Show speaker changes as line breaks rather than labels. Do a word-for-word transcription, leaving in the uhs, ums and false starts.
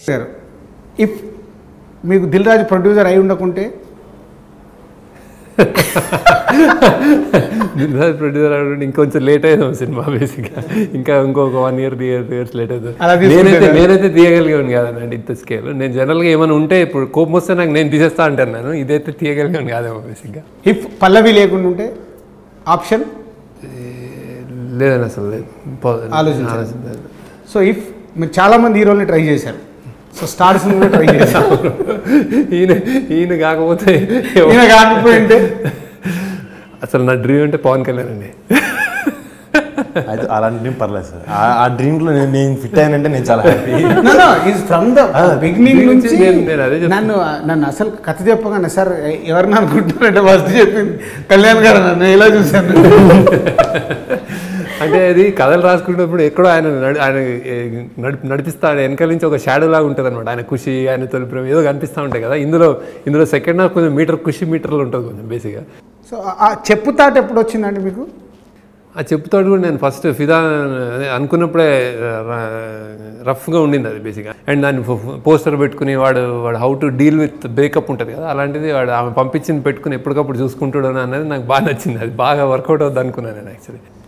Sir if మీకు దిల్ రాజు producer అయి ఉండకుంటే
దిల్ రాజు producer అంటే ఇంకొంచెం లేట్ అయ్యాం సినిమా బేసిక్గా ఇంకా ఇంకొక one year three year two years late అవుతుంది. నేనైతే నేనైతే తీయగలిగాను కాదనండి ఇంత స్కేల్. నేను జనరల్గా ఏమైనా ఉంటే ఇప్పుడు కోపం వస్తే నాకు నేను తీసేస్తా అంటాను, నేను ఇదైతే తీయగలిగాను కాదేమో బేసిక్గా.
ఇఫ్ పల్లవి లేకుండా ఉంటే ఆప్షన్
లేదని అసలు లేదు
ఆలోచించాలి. సో ఇఫ్ మీరు చాలామంది హీరోల్ని ట్రై చేశారు, సో స్టార్స్ కూడా ట్రై చేశారు.
ఈయన ఈయన కాకపోతే
ఈయన కాకపోయింటే
అసలు నా డ్రీమ్ అంటే పవన్ కళ్యాణ్ అండి.
అయితే అలాంటి డ్రీమ్ పర్లేదు సార్. ఆ డ్రీమ్లో నేను నేను ఫిట్ అయ్యానంటే నేను చాలా హ్యాపీ.
ఫ్రమ్ ద బిగినింగ్ నుంచి నన్ను నన్ను అసలు కథ చెప్పగానే సార్ ఎవరిని అనుకుంటున్నారంటే ఫస్ట్ చెప్పింది కళ్యాణ్ గారు. నన్ను ఎలా చూశాను
అంటే అది కథలు రాసుకునేటప్పుడు ఎక్కడో ఆయన ఆయన నడిపి నడిపిస్తా వెనకాల నుంచి ఒక షాడో లాగా ఉంటుంది అనమాట. ఆయన ఖుషి, ఆయన తొలి ప్రేమ ఏదో కనిపిస్తూ ఉంటాయి కదా. ఇందులో ఇందులో సెకండ్ హాఫ్ కొంచెం మీటర్ ఖుషి మీటర్లు ఉంటుంది కొంచెం బేసిక్గా.
సో ఆ చెప్పుతాట ఎప్పుడు వచ్చిందండి మీకు?
ఆ చెప్పుతాడు కూడా నేను ఫస్ట్ ఫిదా అనుకున్నప్పుడే రఫ్గా ఉండింది అది బేసిక్గా. అండ్ దాన్ని పోస్టర్ పెట్టుకుని వాడు వాడు how to deal with breakup ఉంటుంది కదా, అలాంటిది వాడు ఆమె పంపించింది పెట్టుకుని ఎప్పటికప్పుడు చూసుకుంటాడు అనేది నాకు బాగా నచ్చింది. అది బాగా వర్కౌట్ అవుతుంది అనుకున్నాను నేను యాక్చువల్లీ.